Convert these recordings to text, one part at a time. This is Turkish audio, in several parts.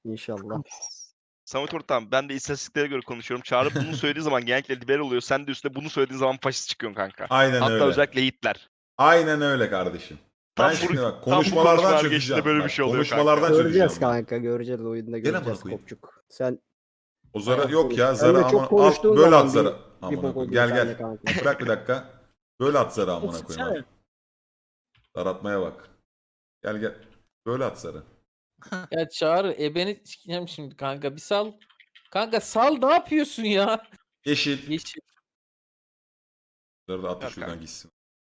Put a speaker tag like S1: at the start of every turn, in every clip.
S1: İnşallah.
S2: Samet Ortam, ben de istatistiklere göre konuşuyorum. Çağrı bunu söylediği zaman genellikle liberal oluyor. Sen de üstüne bunu söylediğin zaman faşist çıkıyorsun kanka.
S3: Aynen
S2: Hatta
S3: öyle.
S2: özellikle Hitler.
S3: Aynen öyle kardeşim.
S2: Tam
S3: Ben
S2: bu-
S3: şimdi bak
S2: tam bu
S3: konuşmalardan
S2: konuşmalar
S3: çözeceğim.
S2: geçtiğinde böyle bir
S3: Bak,
S2: şey oluyor
S3: konuşmalardan
S2: kanka.
S3: çözeceğim
S1: Göreceğiz
S3: ben.
S1: kanka. Göreceğiz. Oyunda
S3: Gel amına
S1: göreceğiz
S3: koyayım.
S1: Kopçuk. Sen
S3: O zara
S1: bayağı
S3: yok ya.
S1: konuş.
S3: Zara
S1: Sen de çok
S3: aman al
S1: konuştuğun
S3: böyle
S1: zaman
S3: at zara.
S1: bir
S3: Amına
S1: bok
S3: koyayım.
S1: oluyor
S3: Gel
S1: sende
S3: gel.
S1: kanka.
S3: Bırak bir dakika. Böyle at zara amına koyayım abi. Zar atmaya bak. Gel gel. Böyle at zara.
S4: Ya Çağrı ebeni sikeceğim şimdi kanka. Bir sal. Kanka sal, ne yapıyorsun ya?
S3: Yeşil.
S4: Yeşil.
S3: Zarı da at
S2: Yok
S3: şuradan
S2: kanka.
S3: gitsin.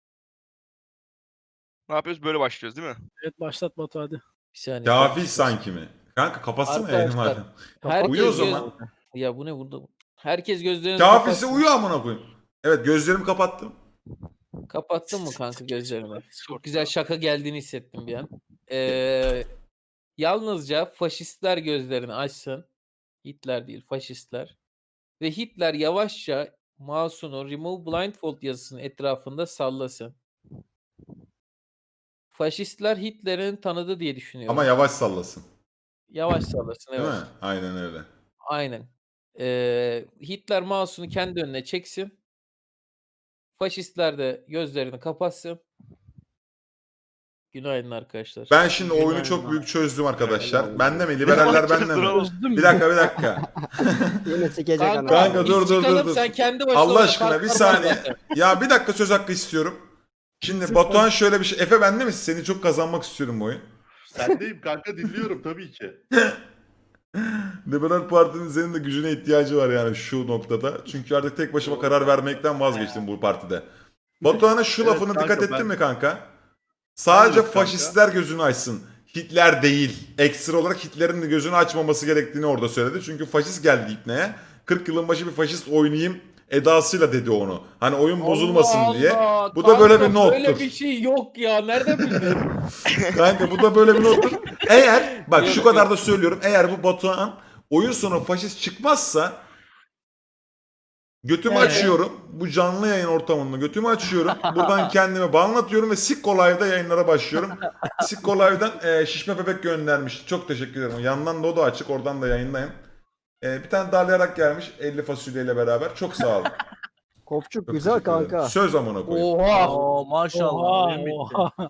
S2: Ne yapıyoruz? Böyle başlıyoruz değil mi?
S5: Evet başlat Batu hadi.
S4: Bir saniye.
S3: Kafil sanki mi? Kanka kapatsana yayını
S4: Arkadaşlar,
S3: madem.
S4: herkes
S3: Uyu o
S4: göz-
S3: zaman.
S4: Ya bu ne burada? Herkes gözlerini
S3: Kafilse
S4: kapatsın.
S3: uyu amına koyayım. Evet gözlerimi kapattım.
S4: Kapattın mı kanka gözlerini? Çok güzel şaka geldiğini hissettim bir an. Yalnızca faşistler gözlerini açsın. Hitler değil, faşistler. Ve Hitler yavaşça mouse'unu Remove Blindfold yazısının etrafında sallasın. Faşistler Hitler'in tanıdı diye düşünüyorum.
S3: Ama yavaş sallasın.
S4: Yavaş sallasın,
S3: Değil
S4: evet.
S3: mi? Aynen öyle.
S4: Aynen. Hitler mouse'unu kendi önüne çeksin. Faşistler de gözlerini kapatsın. Günaydın arkadaşlar.
S3: Ben şimdi oyunu
S5: Günaydın
S3: çok
S5: abi.
S3: büyük çözdüm arkadaşlar.
S1: Günaydın.
S3: Bende mi? Liberaller
S2: Ne
S3: bende mi?
S2: bakacağız
S3: Bir dakika bir dakika.
S1: Yine sikecek
S4: Kanka,
S1: ana.
S3: Kanka,
S4: biz
S3: dur, dur,
S4: çıkalım,
S3: dur.
S4: sen kendi başına
S3: Allah
S4: oyna,
S3: aşkına bir
S4: kartlar var
S3: saniye.
S4: zaten.
S3: Ya bir dakika söz hakkı istiyorum. Şimdi Batuhan şöyle bir şey. Efe bende misin? Seni çok kazanmak istiyorum bu oyun.
S6: Sendeyim kanka, dinliyorum tabii ki.
S3: Liberal Parti'nin senin de gücüne ihtiyacı var yani şu noktada. Çünkü artık tek başıma karar vermekten vazgeçtim bu partide. Batuhan'a şu
S6: Evet
S3: lafını
S6: kanka,
S3: dikkat ettin
S6: ben-
S3: mi kanka? Sadece
S6: Evet kanka.
S3: faşistler gözünü açsın. Hitler değil. Ekstra olarak Hitler'in de gözünü açmaması gerektiğini orada söyledi. Çünkü faşist geldi ipneye. 40 yılın başı bir faşist oynayayım edasıyla dedi onu. Hani oyun bozulmasın
S4: Allah
S3: diye.
S4: Allah,
S3: Bu da böyle
S4: kanka,
S3: bir nottur.
S4: Böyle bir şey yok ya. Nereden bildin?
S3: Kanka bu da böyle bir nottur. Eğer bak şu
S4: Yok,
S3: kadar
S4: yok.
S3: da söylüyorum. Eğer bu Batuhan oyun sonu faşist çıkmazsa götümü
S4: Evet.
S3: açıyorum. Bu canlı yayın ortamında götümü açıyorum. Buradan kendimi banlatıyorum ve Sikko Live'da yayınlara başlıyorum. Sikko Live'dan şişme bebek göndermiş. Çok teşekkür ederim. Yandan da o da açık. Oradan da yayınlayın. Bir tane darlayarak gelmiş 50 fasulyeyle beraber. Çok sağ olun.
S1: Kopçuk
S3: Çok
S1: güzel
S3: teşekkür ederim.
S1: kanka.
S3: Söz amına koyayım.
S4: Oha.
S5: Oo maşallah.
S1: Oha,
S5: oyun bitti.
S1: oha.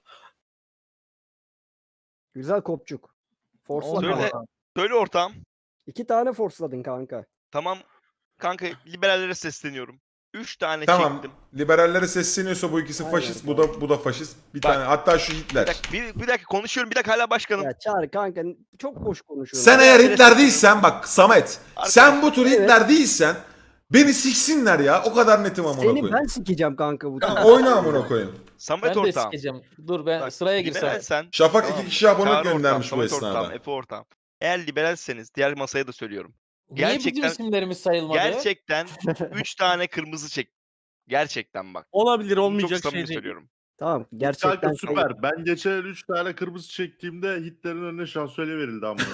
S1: Güzel kopçuk. Forsla
S2: Söyle.
S1: kanka.
S2: Söyle ortam.
S1: 2 tane forsladın kanka.
S2: Tamam. Kanka liberallere sesleniyorum. 3 tane
S3: Tamam.
S2: çektim.
S3: Liberallere sesleniyorsa bu ikisi
S1: Aynen
S3: faşist.
S1: kanka.
S3: Bu da faşist. Bir
S2: Bak.
S3: tane hatta şu
S2: Bir
S3: Hitler.
S2: dakika, bir dakika konuşuyorum. Bir dakika hala başkanım.
S1: Ya Çağrı kanka çok boş konuşuyorsun.
S3: Sen eğer Hitler değilsen bak Samet. Sen bu tür
S1: Evet.
S3: Hitler değilsen beni siksinler ya. O kadar netim amına
S1: Seni
S3: koyayım.
S1: ben sikeceğim kanka bu.
S3: Tamam, oyna amına koyayım.
S2: Samet
S4: Ben de
S2: ortam.
S4: sikeceğim. Dur ben
S2: Bak,
S4: sıraya
S2: liberal
S4: girsem.
S2: sen.
S3: Şafak
S2: Tamam.
S3: 2 kişi abonelik
S2: Çağrı ortam,
S3: göndermiş bu
S2: Samet
S3: esnada.
S2: ortam, Efe ortam. Eğer liberalseniz diğer masaya da söylüyorum.
S4: Niye bizim
S2: Gerçekten-
S4: isimlerimiz sayılmadı?
S2: Gerçekten 3 tane kırmızı çek. Gerçekten bak.
S5: Olabilir,
S2: Çok
S5: olmayacak
S2: samimi
S5: şey değil.
S2: söylüyorum.
S1: Tamam gerçekten
S6: Kanka süper. Ben geçen 3 tane kırmızı çektiğimde Hitler'in önüne şansölye verildi ama.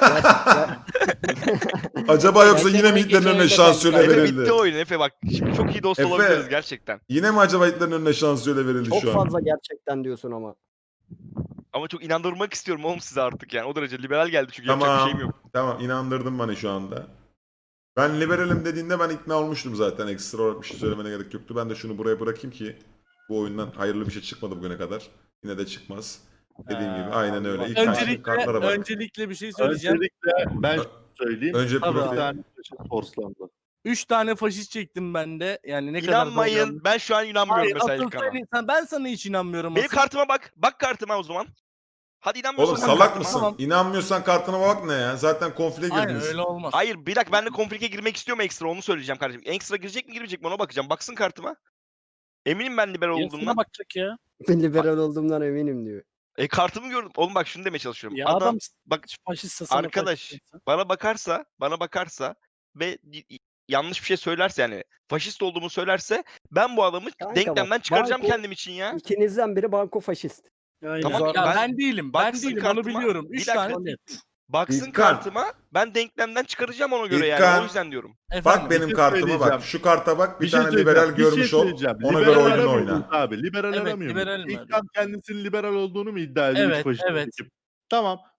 S3: Acaba yoksa
S4: Bence
S3: yine mi
S4: ben
S3: Hitler'in
S4: geçen
S3: önüne
S4: oyunda
S3: şansölye
S4: ben-
S2: Efe
S3: verildi?
S2: bitti oyun Efe bak. Şimdi çok iyi dost
S3: Efe.
S2: olabiliriz gerçekten.
S3: Yine mi acaba Hitler'in önüne şansölye verildi
S1: çok
S3: şu an?
S1: fazla gerçekten diyorsun ama.
S2: Ama çok inandırmak istiyorum oğlum size artık yani. O derece liberal geldi çünkü yapacak bir şeyim
S3: Tamam.
S2: yok.
S3: Tamam inandırdın bana şu anda. Ben liberalim dediğinde ben ikna olmuştum zaten. Ekstra olarak bir şey söylemene gerek yoktu. Ben de şunu buraya bırakayım ki bu oyundan hayırlı bir şey çıkmadı bugüne kadar. Yine de çıkmaz. Dediğim gibi aynen öyle. İlk kartlara bak.
S5: Öncelikle bir şey söyleyeceğim.
S6: Öncelikle ben söyleyeyim.
S3: Önce
S5: Tabii.
S6: 3
S3: profil.
S6: tane faşist forslandı.
S5: 3 tane faşist çektim ben de. Yani ne kadar doğru
S2: İnanmayın.
S5: yanlış.
S2: Ben şu an inanmıyorum
S5: Hayır,
S2: mesela
S5: asıl
S2: İlkan'a.
S5: ben sana hiç inanmıyorum.
S2: Benim
S5: asıl.
S2: kartıma bak. Bak kartıma o zaman. Hadi inanmıyorsan
S3: Oğlum
S2: bak
S3: salak
S2: kartıma.
S3: mısın?
S5: Tamam.
S3: İnanmıyorsan kartına bak ne ya? Zaten konfliye
S5: Aynen
S3: girdiniz.
S5: öyle olmaz.
S2: Hayır bir dakika ben de konflikte girmek istiyorum ekstra onu söyleyeceğim kardeşim. Ekstra girecek mi girmeyecek mi ona bakacağım. Baksın kartıma. Eminim ben liberal
S5: Yarısına
S2: olduğumdan.
S5: bakacak ya.
S1: Ben liberal olduğumdan eminim diyor.
S2: Kartımı gördüm. Oğlum bak şunu demeye çalışıyorum.
S5: Ya
S2: Adam
S5: adam
S2: bak
S5: faşistse sana
S2: arkadaş
S5: faşistse.
S2: bana bakarsa ve yanlış bir şey söylerse yani faşist olduğumu söylerse ben bu adamı
S1: Kanka
S2: denklemden
S1: bak,
S2: çıkaracağım
S1: banko-
S2: kendim için ya.
S1: İkinizden biri banko faşist.
S5: Aynen.
S2: Tamam,
S5: ya
S2: ben-
S5: ben değilim. Ben
S2: baksın
S5: değilim. Onu
S2: kartıma.
S5: biliyorum.
S2: Bir
S5: 3
S2: dakika.
S5: tane.
S2: Baksın
S3: İlkan.
S2: kartıma ben denklemden çıkaracağım ona göre yani
S3: İlkan.
S2: o yüzden diyorum.
S3: Bak benim
S6: şey
S3: kartıma bak.
S6: söyleyeceğim.
S3: Şu karta bak. Bir
S6: şey
S3: tane
S6: söyleyeceğim,
S3: liberal
S6: bir şey
S3: görmüş ol.
S6: söyleyeceğim.
S3: Ona
S6: Liberal
S3: göre oyununu
S6: aramıyor
S3: oyna.
S6: muyuz Abi liberal
S5: Evet,
S6: aramıyor
S5: liberal
S6: muyuz?
S5: mi?
S6: İlkan kendisinin liberal olduğunu mu iddia ediyor?
S5: Evet,
S6: üç faşist
S5: evet.
S6: çekip? Tamam.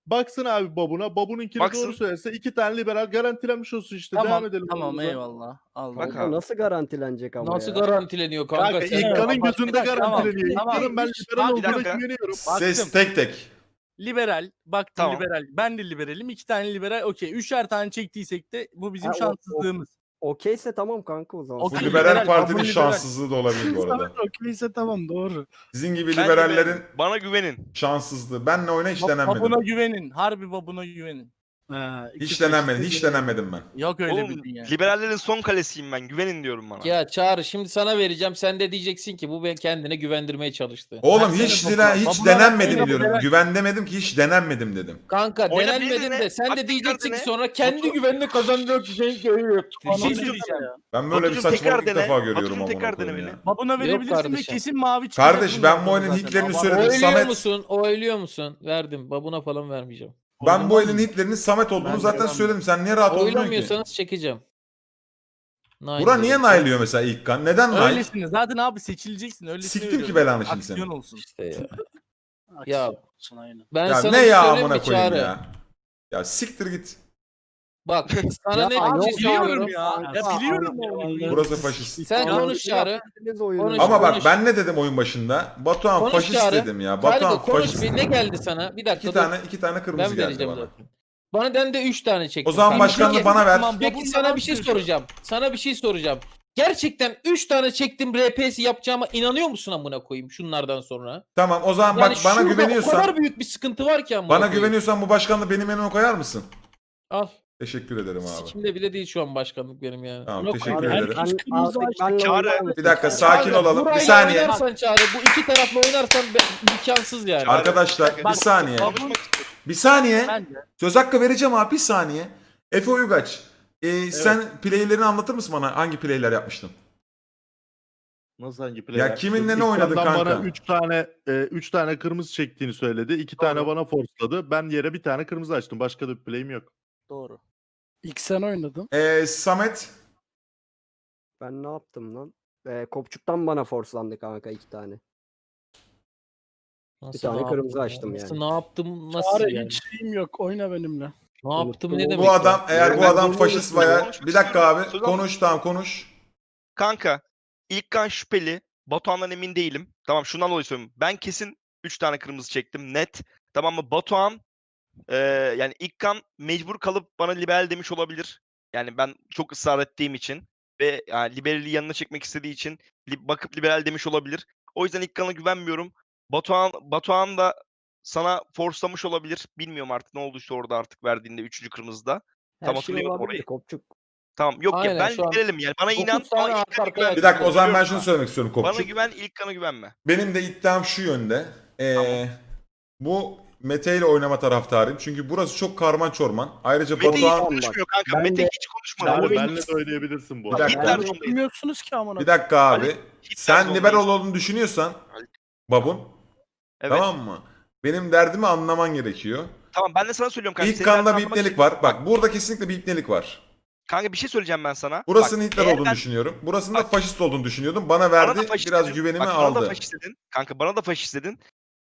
S6: Baksın abi babuna. Babununkini
S2: Baksın.
S6: doğru söylerse 2 tane liberal garantilenmiş olsun işte.
S5: Tamam
S6: Devam edelim.
S5: tamam
S6: yolumuza.
S5: eyvallah. Allah.
S2: Bak
S1: Kanka
S2: abi.
S1: nasıl garantilenecek ama
S4: Nasıl
S1: ya?
S4: garantileniyor kanka?
S6: Kanka
S4: sen?
S6: İlkan'ın
S5: Bak,
S6: gözünde
S5: bir dakika,
S6: garantileniyor.
S5: tamam.
S6: İlkan'ın ben liberal
S5: Abi,
S2: bir
S6: olduğuna
S2: dakika.
S6: güveniyorum.
S3: Ses
S5: Baktım.
S3: tek tek.
S5: Liberal. Baktım
S2: Tamam.
S5: liberal. Ben de liberalim. 2 tane liberal. Okey. 3'er tane çektiysek de bu bizim
S1: Ha, o-
S5: şanssızlığımız.
S1: Okeyse tamam kanka o zaman.
S5: Okey.
S3: Bu
S5: Liberal,
S3: liberal partinin
S5: kabul liberal.
S3: şanssızlığı da olabilir bu arada.
S7: Samet okeyse tamam doğru.
S3: Sizin gibi
S2: Ben
S3: liberallerin
S2: liberal. Bana güvenin.
S3: şanssızlığı. Benle oyna hiç denenmedim.
S5: Babuna güvenin. Harbi babuna güvenin.
S3: Hiç denenmedim. Hiç denenmedim ben.
S5: Yok öyle
S2: Oğlum
S5: bir dünya.
S2: liberallerin son kalesiyim ben. Güvenin diyorum bana.
S4: Ya Çağrı şimdi sana vereceğim. Sen de diyeceksin ki bu ben kendine güvendirmeye çalıştı.
S3: Oğlum
S5: Ben
S3: hiç
S5: senin
S3: hiç
S5: babuna
S3: denenmedim
S5: babuna
S3: diyorum.
S5: liberal-
S3: Güven demedim ki hiç denenmedim dedim.
S4: Kanka
S2: Oyna
S4: denenmedin
S2: birine,
S4: de sen
S2: bak
S4: de
S2: tekrar
S4: diyeceksin ki
S2: dene.
S4: sonra kendi
S2: Batu-
S4: güvenini kazanacak şey görüyor.
S5: Bir şey
S2: Batucuğum,
S5: söyleyeceğim.
S3: Ben böyle bir
S2: Batucuğum, tekrar
S3: saçmalık ilk
S2: dene.
S3: defa görüyorum
S2: Batucuğum,
S3: amına
S2: tekrar
S3: koyayım
S2: dene
S3: ya.
S5: Babuna verebilirsin ve
S4: kardeşim.
S5: kesin mavi çıkacak.
S3: Kardeş
S5: bundan
S3: ben bu
S5: sonra
S3: oyunun
S5: zaten.
S3: hitlerini
S5: Ama-
S3: söyledim.
S4: Oyluyor
S3: Samet-
S4: musun? Oyluyor musun? Verdim. Babuna falan vermeyeceğim.
S3: Ben bu
S5: Oynamaz
S3: elin
S5: mı?
S3: hitlerinin Samet olduğunu
S5: Ben
S3: zaten
S5: devam
S3: söyledim. Sen niye rahat olmuyorsun ki?
S4: Oylamıyorsanız çekeceğim.
S3: Bura niye naylıyor mesela ilk kan? Neden nail?
S5: Öylesine. Zaten abi seçileceksin. Öylesine
S3: Siktim ki
S5: veriyorum.
S3: belanı şimdi
S5: Aksiyon
S3: seni.
S5: olsun.
S4: İşte ya. Ya
S7: aynen.
S4: ben
S3: Ya
S4: sana
S3: ne
S4: bir
S3: ya
S4: söyleyeyim
S3: amına
S4: mi
S3: koyayım
S4: Çağrı?
S3: ya. Ya siktir git.
S4: Bak sana
S1: Ya
S4: net
S1: yok
S4: bir şey
S1: ya,
S4: söylüyorum.
S5: Biliyorum ya. Ya
S1: Kanka,
S5: biliyorum
S1: Allah'ım.
S5: ya.
S3: Burası faşist.
S4: Sen
S1: Anladım.
S4: konuş Çağrı.
S1: Yaptınız oyunu.
S4: Konuş.
S3: Ama bak
S4: konuş.
S3: ben ne dedim oyun başında? Batuhan
S4: Konuş
S3: faşist
S4: Çağrı.
S3: dedim ya.
S4: Kargo
S3: Batuhan
S4: konuş
S3: faşist.
S4: bir ne geldi sana? Bir dakika
S3: İki tane kırmızı
S4: ben
S3: geldi
S4: vereceğim
S3: bana.
S4: zaten. Bana den de 3 tane çektim.
S3: O zaman
S4: Kanka.
S3: başkanlığı
S4: Peki-
S3: bana ver.
S5: Tamam,
S4: Peki
S5: babunla
S4: sana bir şey
S5: konuşuyorum.
S4: soracağım. Sana bir şey soracağım. Gerçekten 3 tane çektim RP'si yapacağıma inanıyor musun amına koyayım şunlardan sonra?
S3: Tamam o zaman
S4: Yani
S3: bak bana
S4: şurada o
S3: güveniyorsan,
S4: kadar büyük bir sıkıntı var ki amına
S3: bana
S4: koyayım.
S3: güveniyorsan bu başkanlığı benim önüme koyar mısın?
S4: Al.
S3: Teşekkür ederim abi.
S4: Sikimde bile değil şu an başkanlık benim yani.
S3: Tamam
S7: Yok
S3: teşekkür
S7: abi,
S3: ederim.
S7: herkes-
S1: Ben
S7: kırmızı
S1: artık
S7: açtı.
S1: benle
S2: Çağrı,
S1: oynar mısın?
S3: Bir dakika
S1: Çağrı?
S3: sakin
S4: Çağrı,
S3: olalım. Bir
S4: burayla
S3: saniye.
S4: Oynarsan Çağrı bu iki tarafla oynarsan imkansız yani.
S2: Çağrı.
S3: Arkadaşlar bir
S5: Bak,
S3: saniye.
S2: Konuşmak istiyorum.
S3: Bir saniye.
S5: Ben de.
S3: Söz hakkı vereceğim abi bir saniye. Efe Uygaç. Sen playlerini anlatır mısın bana? Hangi playler yapmıştın?
S6: Nasıl hangi play?
S3: Ya kiminle ne oynadın
S6: İlkan'dan
S3: kanka?
S6: Bana 3 tane kırmızı çektiğini söyledi. 2 tane bana forsladı. Ben yere bir tane kırmızı açtım. Başka da bir play'im yok.
S7: Doğru. İlk sen oynadın.
S3: Samet.
S1: Ben ne yaptım lan? Kopçuktan bana forslandı kanka 2 tane.
S4: Nasıl
S1: tane
S4: ne
S1: kırmızı
S4: yaptım ya?
S1: açtım
S4: Nasıl
S1: yani.
S4: ne yaptım nasıl
S7: Çağrı
S4: yani?
S7: hiç şeyim yok. Oyna benimle.
S4: Ne yaptım ne
S1: Bu
S4: demek?
S3: Bu
S4: ya?
S3: adam eğer bu
S2: Ben
S3: adam
S1: bunu
S3: faşist
S1: unutmuyorum.
S3: bayağı.
S2: Konuşmak
S3: Bir dakika
S2: istiyorum.
S3: abi.
S2: Söz
S3: Konuş tamam konuş.
S2: Kanka İlkan şüpheli. Batuhan'dan emin değilim. Tamam şundan dolayı söylüyorum. Ben kesin 3 tane kırmızı çektim net. Tamam mı? Batuhan yani İlkan mecbur kalıp bana liberal demiş olabilir. Yani ben çok ısrar ettiğim için ve yani liberali yanına çekmek istediği için bakıp liberal demiş olabilir. O yüzden İlkan'a güvenmiyorum. Batuhan da sana forslamış olabilir. Bilmiyorum artık ne olduysa orada artık verdiğinde 3. kırmızıda. Tam
S1: Her şey
S2: hatırlıyorum
S1: olabilir
S2: orayı.
S1: Kopçuk.
S2: Tamam yok
S4: Aynen,
S2: ya ben
S4: şu an
S2: liberalim yani. Bana
S4: 9
S2: inan
S4: tane
S2: ama
S4: arka
S2: İlkan'a
S4: arkaya
S2: güven.
S3: Bir dakika o zaman ben
S2: Biliyorum
S3: şunu
S2: sana.
S3: söylemek istiyorum
S2: Bana
S3: Kopçuk.
S2: güven İlkan'a güvenme.
S3: Benim de iddiam şu yönde.
S2: Tamam.
S3: Bu Mete ile oynama taraftarıyım. Çünkü burası çok karman çorman. Ayrıca
S2: Mete hiç
S3: Batuhan...
S2: konuşmuyor kanka.
S1: ben
S2: Mete
S1: de-
S2: hiç konuşmadı.
S6: Çağrı
S2: Oyun-
S6: benle de oynayabilirsin bu
S3: Bir
S6: arada.
S3: dakika.
S2: Hitler
S7: Ben
S2: zondayız.
S7: bilmiyorsunuz ki amına.
S3: Bir dakika abi.
S2: Hitler
S3: Sen
S2: zondayız.
S3: liberal olduğunu düşünüyorsan babun
S2: Evet.
S3: tamam mı? Benim derdimi anlaman gerekiyor.
S2: Tamam ben de sana söylüyorum kanka.
S3: İlk
S2: Senin
S3: kanda
S2: derdini
S3: bir
S2: anlamak
S3: ipnelik
S2: için-
S3: var. Bak burada kesinlikle bir ipnelik var.
S2: Kanka bir şey söyleyeceğim ben sana.
S3: Burasının
S2: Bak,
S3: Hitler
S2: eğer
S3: olduğunu
S2: ben-
S3: düşünüyorum. Burasının da
S2: Bak-
S3: faşist olduğunu düşünüyordum. Bana
S2: Bana
S3: verdi.
S2: da faşist
S3: Biraz
S2: dedin.
S3: güvenimi
S2: Bak, Bana da
S3: aldı.
S2: faşist dedin. Kanka bana da faşist dedin.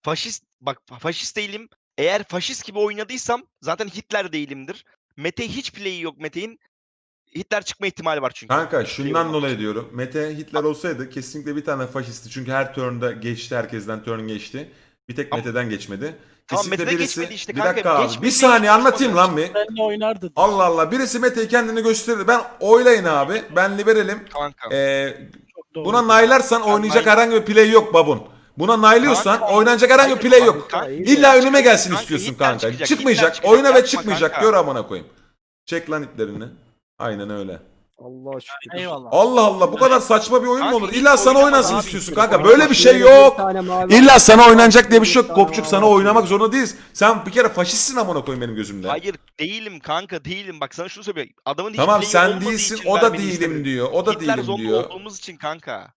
S2: Faşist değilim. Eğer faşist gibi oynadıysam zaten Hitler değilimdir. Mete hiç play'i yok Mete'in. Hitler çıkma ihtimali var çünkü.
S3: Kanka
S2: Play
S3: şundan
S2: olmadığı
S3: dolayı
S2: için.
S3: diyorum. Mete Hitler olsaydı kesinlikle bir tane faşisti. Çünkü her turn'da geçti. Herkesten turn geçti. Bir tek
S2: Ama-
S3: Mete'den geçmedi.
S2: Tamam,
S3: Kesinlikle
S2: Mete'den
S3: birisi...
S2: geçmedi işte
S3: bir
S2: kanka.
S3: dakika abi.
S2: Geçmedi,
S3: Bir saniye
S2: hiç
S3: anlatayım lan bir.
S7: Benle oynardı.
S3: Allah Allah. Birisi Mete'yi kendini gösterir. Ben oylayın abi. Ben liberalim.
S2: Kanka.
S7: Çok doğru.
S3: Buna naylarsan oynayacak
S2: nay-
S3: herhangi bir play yok babun. Buna naylıyorsan
S2: Kanka,
S3: oynanacak herhangi bir
S2: hayır,
S3: play
S2: bak,
S3: yok.
S2: kanka,
S3: İlla önüme gelsin
S2: Kanka,
S3: istiyorsun
S2: Hitler
S3: kanka.
S2: çıkacak,
S3: Çıkmayacak.
S2: Hitler
S3: Oyna ve
S2: çıkacak.
S3: çıkmayacak.
S2: Yapma
S3: Gör amına koyayım. Çek lan iplerini. Aynen öyle.
S1: Allah şükür.
S5: Eyvallah.
S3: Allah Allah bu kadar saçma bir oyun mu
S2: Kanka,
S3: olur?
S2: hiç
S3: İlla sana
S2: oynamaz
S3: oynasın
S2: abi.
S3: istiyorsun kanka.
S1: Kanka,
S3: Böyle bir şey
S1: şöyle bir
S3: yok.
S1: tane mavi
S3: İlla
S1: var.
S3: sana oynanacak diye bir şey yok.
S1: Bir tane
S3: Kopçuk
S1: mavi
S3: sana
S1: var.
S3: oynamak zorunda değiliz. Sen bir kere faşistsin amına koyayım benim gözümde.
S2: Hayır değilim kanka değilim. Bak sana şunu söyleyeyim. Adamın hiç
S3: Tamam
S2: play'i
S3: sen
S2: olmadığı
S3: değilsin
S2: için
S3: o da
S2: vermeni
S3: değilim
S2: istemedim.
S3: diyor. O da
S2: Hitler
S3: değilim
S2: zonda
S3: diyor.
S2: olduğumuz için kanka.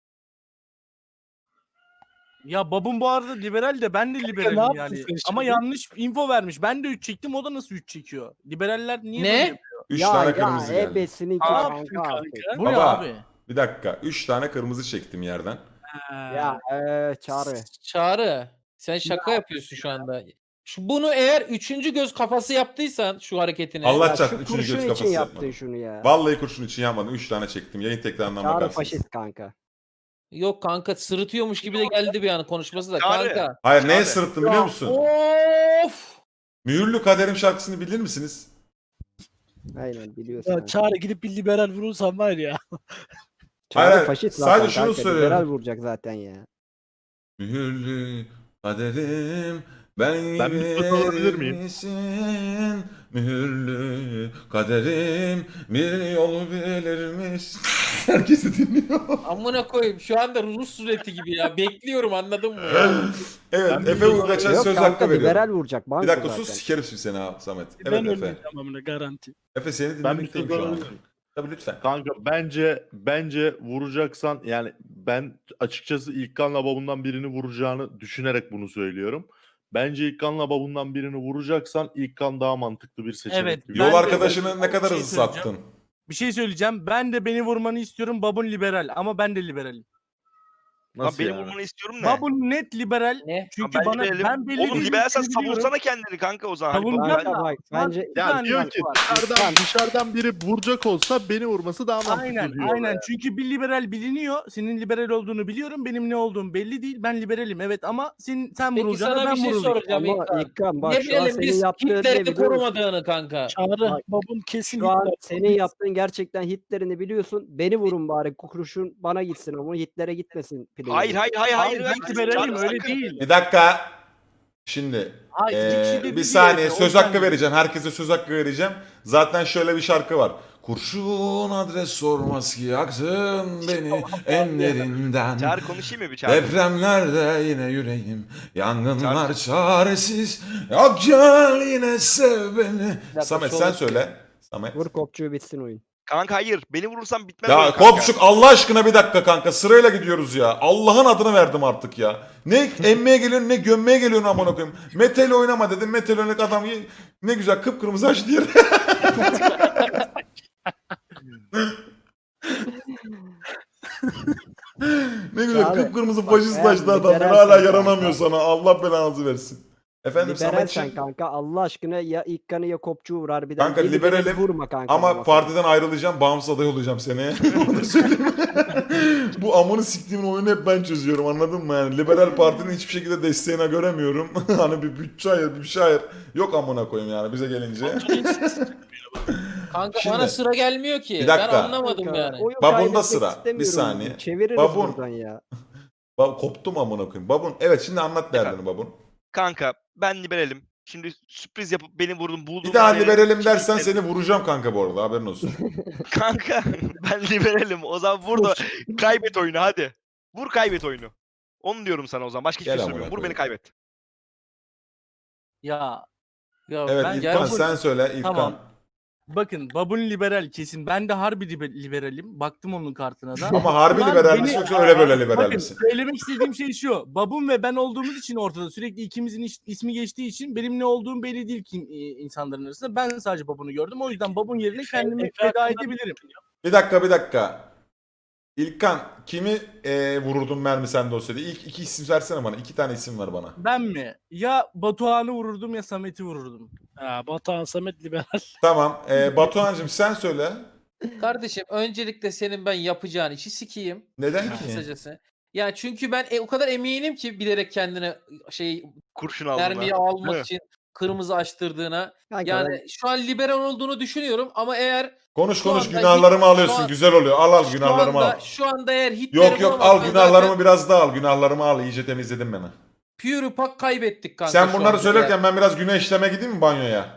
S5: Ya babam bu arada liberal de ben de liberalim
S7: yaptın
S5: yani.
S7: sen
S5: Ama
S7: şimdi?
S5: yanlış info vermiş. Ben de 3 çektim o da nasıl 3 çekiyor? Liberaller niye
S4: Ne?
S5: böyle yapıyor?
S3: 3
S1: Ya
S3: tane
S1: ya
S3: kırmızı geldi.
S1: ebesini
S5: Ne
S1: kanka
S5: yaptın
S1: artık.
S5: kanka? Bu
S3: Baba.
S5: ne abi?
S3: Bir dakika. 3 tane kırmızı çektim yerden.
S1: Ya Çağrı.
S4: Çağrı. Sen şaka yapıyorsun şu anda. Bunu eğer 3. göz kafası yaptıysan şu hareketini.
S3: Allah
S1: Ya
S3: çarpsın
S1: şu
S3: 3. göz
S1: kurşun için
S3: kafası
S1: yaptın
S3: yapmadım.
S1: şunu ya.
S3: Vallahi kurşun için yapmadım. 3 tane çektim. Yayın tekrarından
S1: Çağrı
S3: bakarsınız.
S1: faşist kanka.
S4: Yok kanka sırıtıyormuş gibi de geldi bir an konuşması da
S2: Çağrı.
S4: kanka.
S3: Hayır neye
S2: Çağrı.
S3: sırıttım biliyor musun?
S4: Of!
S3: Mühürlü Kaderim şarkısını bilir misiniz?
S1: Aynen biliyorsun.
S7: Ya
S1: kanka.
S7: Çağrı gidip bir liberal vurursan var ya.
S1: Çağrı
S3: Hayır,
S1: faşist
S3: sadece
S1: zaten
S3: şunu
S1: kanka.
S3: söylüyorum.
S1: Liberal vuracak zaten ya.
S3: Mühürlü kaderim ben
S6: Ben bir söz alabilir miyim?
S3: misin? Mühürlü kaderim bir yol bilir misin? Herkesi dinliyor.
S4: Amına koyayım şu anda Rus sureti gibi ya. Bekliyorum anladın mı ya?
S3: Evet
S6: Ben bir
S3: Efe
S6: söz
S3: Uygaç'a
S1: Yok
S3: söz
S1: kanka
S3: hakkı veriyorum.
S1: liberal vuracak. Banko
S3: Bir dakika
S1: zaten.
S3: sus sikerim şimdi seni ha Samet.
S7: Ben
S3: Evet Efe.
S7: ölmeyeceğim amına garanti.
S3: Efe seni
S6: Ben bir
S3: dinlemekteyim
S6: söz
S3: şu an.
S6: alabilir miyim?
S3: Tabii lütfen.
S6: Kanka bence vuracaksan yani ben açıkçası İlkan'la babundan birini vuracağını düşünerek bunu söylüyorum. Bence İlkan'la babundan birini vuracaksan İlkan daha mantıklı bir seçenek.
S5: Evet,
S6: gibi.
S5: ben
S3: Yol
S5: de-
S3: arkadaşını ne kadar
S5: bir şey
S3: hızlı
S5: söyleyeceğim.
S3: sattın?
S5: Bir şey söyleyeceğim. Ben de beni vurmanı istiyorum. Babun liberal ama ben de liberalim.
S2: Lan
S6: Nasıl
S2: benim
S6: yani?
S2: vurmanı istiyorum ne?
S5: Babun net liberal.
S4: Ne?
S5: Çünkü
S2: Ben
S5: bana
S2: liberalim.
S5: ben belli
S2: Oğlum
S5: değil
S2: liberalsen
S5: ülkeyi biliyorum.
S2: savunsana kendini kanka o zaman. Hadi
S5: Savunacağım
S2: baba.
S1: Kanka
S5: da,
S1: bak
S5: şu an
S1: bence
S5: bir
S6: Ya
S5: tane
S6: diyor
S5: fark
S6: ki
S5: var.
S6: dışarıdan biri vuracak olsa beni vurması daha mantıklı
S5: Aynen
S6: diyor.
S5: aynen çünkü bir liberal biliniyor. Senin liberal olduğunu biliyorum. Benim ne olduğum belli değil. Ben liberalim evet ama sen
S4: Peki
S5: vurulacaksın
S4: sana
S5: ben
S4: bir şey
S5: vurulacağım.
S4: soracağım
S1: ama
S4: İlkan.
S1: İlkan bak
S4: Ne
S1: şu an
S4: bilelim
S1: senin
S4: biz
S1: yaptığın ne
S4: Hitler'i
S1: biliyor musun?
S4: korumadığını kanka.
S7: Çağrı
S1: Bak,
S7: babun kesin
S1: Şu an
S7: Hitler.
S1: senin yaptığın gerçekten Hitler'ini biliyorsun. Beni vurun bari kurşun bana gitsin ama Hitler'e gitmesin. play'in.
S2: Hayır hayır hayır hayır.
S5: Abi
S2: hayır.
S5: ben liberalim
S2: Çağrı,
S5: öyle
S2: sakın.
S5: değil.
S3: Bir dakika. Şimdi
S5: Hayır, iki kişi de
S3: bir
S5: değil
S3: saniye
S5: Efe, o
S3: söz
S5: yüzden
S3: hakkı vereceğim. Herkese söz hakkı vereceğim. Zaten şöyle bir şarkı var. Kurşun adres sormaz ki yaktın beni enlerinden.
S2: Çağrı konuşayım mı bir Çağrı?
S3: Depremlerde yine yüreğim, yangınlar çaresiz. Yok gel yine sev beni.
S4: dakika,
S3: Samet
S4: şu
S3: sen
S4: an-
S3: söyle. Samet.
S1: Vur kopçuğu bitsin oyun.
S2: Kanka hayır. Beni vurursan bitmez oyun
S3: Ya
S2: kanka.
S3: Kopçuk Allah aşkına bir dakika kanka sırayla gidiyoruz ya. Allah'ın adını verdim artık ya. Ne emmeye geliyorsun ne gömmeye geliyorsun amına koyayım. Metal oynama dedim. Metal oynadık adam ne güzel kıpkırmızı açtı yeri. Ne güzel
S1: Çağrı,
S3: kıpkırmızı
S1: bak,
S3: faşistlaştı
S1: eğer
S3: adam.
S1: liberalsen
S3: Hala
S1: kanka.
S3: yaranamıyor sana. Allah belanızı versin. Efendim
S1: Liberal sen
S3: Sametciğim.
S1: kanka Allah aşkına ya İlkan'ı ya kopçuğu vur harbiden.
S3: Kanka,
S1: Yeni beni
S3: liberalim
S1: vurma kanka.
S3: Ama
S1: masada.
S3: partiden ayrılacağım. Bağımsız aday olacağım seneye. Onu söyleyeyim. Bu amını siktiğimin oyunu hep ben çözüyorum anladın mı? Yani Liberal Parti'nin hiçbir şekilde desteğine göremiyorum. Hani bir bütçe ayır, bir şey ayır. Yok amına koyayım yani bize gelince.
S4: Kanka
S3: Şimdi-
S4: bana sıra gelmiyor ki.
S3: Bir dakika.
S4: Ben anlamadım
S1: Kanka,
S4: yani.
S1: oyun
S3: Babunda
S1: kaybetmek
S3: sıra. Bir
S1: istemiyorum.
S3: saniye.
S1: Çeviririz
S3: Babun.
S1: buradan ya.
S3: Koptum amına koyayım. Babun. Evet şimdi anlat derdini babun.
S2: Kanka ben liberalim. Şimdi sürpriz yapıp beni vurdun buldum.
S3: Bir daha liberalim dersen seni vuracağım kanka bu arada haberin olsun.
S2: Kanka ben liberalim. O zaman vur da kaybet oyunu hadi. Vur kaybet oyunu. Onu diyorum sana o zaman. Başka hiçbir
S3: Gel
S2: şey
S3: amına
S2: söylemiyorum. Vur beni
S3: koyayım.
S2: kaybet.
S5: Ya
S3: Evet
S5: ben
S3: İlkan
S5: babun-
S3: sen söyle İlkan.
S5: Tamam. Bakın babun liberal kesin. Ben de harbi liberalim. Baktım onun kartına da.
S3: Ama harbi
S5: Şu an
S3: liberal
S5: beni-
S3: misin yoksa öyle böyle liberal
S5: Bakın
S3: misin?
S5: söylemek istediğim şey şu. Babun ve ben olduğumuz için ortada sürekli ikimizin ismi geçtiği için benim ne olduğum belli değil ki insanların arasında. Ben sadece babunu gördüm. O yüzden babun yerine kendimi
S7: Efe
S5: feda
S7: hakkında-
S5: edebilirim.
S3: Bir dakika. İlkan kimi vururdun mermi sende olsaydı? İlk iki isim versene bana. 2 tane isim ver bana.
S5: Ben mi? Ya Batuhan'ı vururdum ya Samet'i vururdum.
S7: Ha, Batuhan Samet liberal.
S3: Tamam. Batuhan'cığım sen söyle.
S4: Kardeşim öncelikle senin ben yapacağın işi sikeyim.
S3: Neden ki?
S4: Kısacası. Ya çünkü ben o kadar eminim ki bilerek kendine şey
S2: Kurşun aldın
S4: mermiyi
S2: ha.
S4: almak
S2: Değil mi?
S4: için kırmızı açtırdığına.
S1: Kanka
S4: Yani şu an liberal olduğunu düşünüyorum ama eğer
S3: Konuş
S4: Şu anda
S3: günahlarımı
S4: şu
S3: alıyorsun.
S4: an-
S3: Güzel oluyor. Al günahlarımı al.
S4: şu anda eğer Hitler'i
S3: Yok al
S4: bulamazsan
S3: günahlarımı
S4: zaten
S3: biraz daha al. Günahlarımı al. İyice temizledim beni.
S4: pure pak kaybettik kanka.
S3: Sen
S4: şu
S3: bunları
S4: anda.
S3: söylerken ben biraz günah işleme gideyim mi banyoya?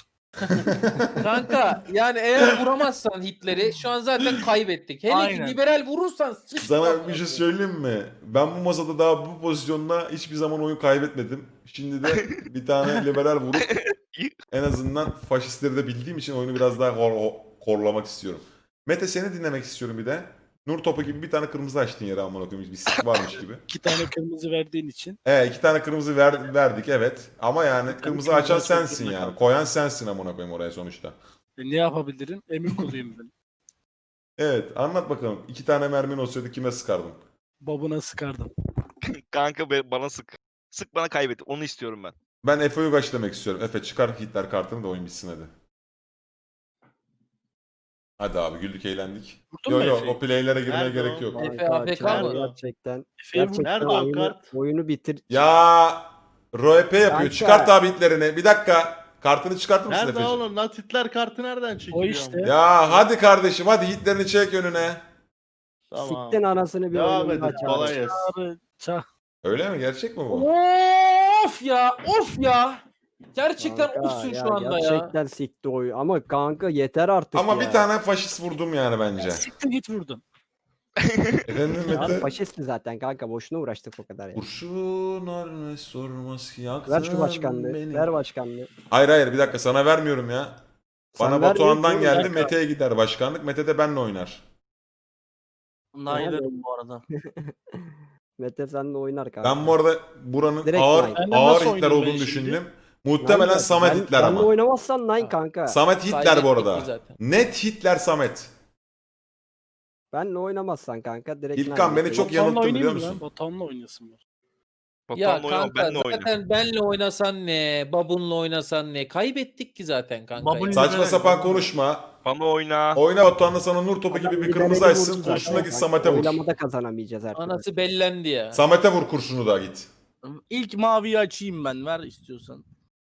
S4: Kanka yani eğer vuramazsan Hitler'i şu an zaten kaybettik. Hele
S5: Aynen.
S4: ki liberal vurursan sıçtın.
S3: Sana bir şey söyleyeyim mi? Ben bu masada daha bu pozisyonda hiçbir zaman oyun kaybetmedim. Şimdi de bir tane liberal vurup en azından faşistleri de bildiğim için oyunu biraz daha korlamak istiyorum. Mete seni dinlemek istiyorum bir de. Nur topu gibi bir tane kırmızı açtın yere amına koyayım. Bir sik varmış gibi.
S7: 2 tane kırmızı verdiğin için.
S3: 2 tane kırmızı verdik evet. Ama yani kırmızı açan
S7: kırmızı açmak
S3: sensin
S7: zorunda
S3: yani.
S7: kaldım.
S3: Koyan sensin amına koyayım oraya sonuçta.
S7: Ne yapabilirim? Emir kuluyum ben.
S3: Evet anlat bakalım. 2 tane mermin olsaydı kime sıkardın?
S7: Babuna sıkardım.
S2: Kanka bana sık. Sık bana kaybet. Onu istiyorum ben.
S3: Ben Efe Uygaç demek istiyorum. Efe çıkar Hitler kartını da oyun bitsin hadi. Hadi abi güldük eğlendik.
S7: Vurdun
S3: Yok
S7: mu
S3: yok
S7: Efe'yi?
S3: o playlere girmeye
S6: Nerede
S3: gerek
S6: o?
S3: yok.
S4: Efe
S1: Kanka,
S4: AFK
S1: Çağrı
S6: mı?
S1: Gerçekten.
S7: Efe'yi vurdun.
S1: Gerçekten
S6: Nerede o kart?
S1: oyunu bitir.
S3: Ya RP yapıyor.
S1: Kanka.
S3: Çıkart abi Hitler'ini. Bir dakika. Kartını çıkartır mısın
S6: Nerede
S3: Efe'ciğim?
S6: oğlum? Nat Hitler kartı nereden çekiliyor?
S7: işte.
S3: Ya hadi kardeşim hadi Hitler'ini çek önüne.
S6: Tamam.
S1: Siktin anasını bir
S6: Devam
S1: oyunun
S6: edin.
S1: daha
S6: Kolay
S1: Çağrı.
S6: gelsin.
S3: Öyle mi? Gerçek mi bu?
S4: Of ya, of ya. Gerçekten
S1: Kanka,
S4: ofsun
S1: ya
S4: şu anda ya.
S1: Gerçekten sikti oyun. Ama kanka yeter artık
S3: Ama
S1: ya.
S3: bir tane faşist vurdum yani bence.
S7: Siktir git vurdun.
S3: Efendim
S1: Abi
S3: Mete?
S1: faşist mi zaten kanka? Boşuna uğraştık o kadar ya.
S3: Kurşun ölmez sormaz ki yaktın
S1: Ver şu başkanlığı.
S3: beni.
S1: Ver başkanlığı.
S3: Hayır bir dakika sana vermiyorum ya.
S1: Sen
S3: Bana
S1: ver
S3: Batuhan'dan
S1: oğlum,
S3: geldi
S7: dakika.
S3: Mete'ye gider başkanlık. Mete de benle oynar.
S5: Naylerim bu arada.
S1: Mete senle oynar kanka.
S3: Ben bu arada buranın
S1: Direkt
S3: ağır
S1: Nine.
S7: Ben de
S3: ağır
S7: nasıl
S3: Hitler
S7: oynayayım
S3: olduğunu
S7: ben şimdi?
S3: düşündüm. Muhtemelen
S1: Nine
S3: Samet
S1: ben-
S3: Hitler
S1: benle
S3: ama.
S1: oynamazsan Nine kanka.
S3: Samet Hitler bu
S4: Kaybettik
S3: arada.
S4: mi zaten?
S3: Net Hitler Samet.
S1: Benle oynamazsan kanka direkt
S3: İlkan
S1: Nine
S3: beni çok
S1: yapıyorum.
S3: yanılttın biliyor
S7: oynayayım mı
S3: musun?
S7: lan? Batuhan'la oynasın var.
S4: Ya
S2: Batuhan'la oynama,
S4: kanka
S2: benle oyna.
S4: zaten benle oynasan ne, babunla oynasan ne? Kaybettik ki zaten kanka.
S5: Babun
S4: ya.
S3: Saçma
S5: Evet,
S3: sapan
S5: evet.
S3: konuşma.
S2: Bana oyna.
S3: Oyna Batuhan'la sana nur topu gibi bir
S1: Liberali
S3: kırmızı
S1: vurdu
S3: açsın.
S1: zaten
S3: Kurşunla git
S1: kanka.
S3: Samet'e vur.
S1: Oylamada kazanamayacağız her türlü.
S4: Anası bellendi ya.
S3: Samet'e vur kurşunu da git.
S5: İlk maviyi açayım ben. Ver istiyorsan.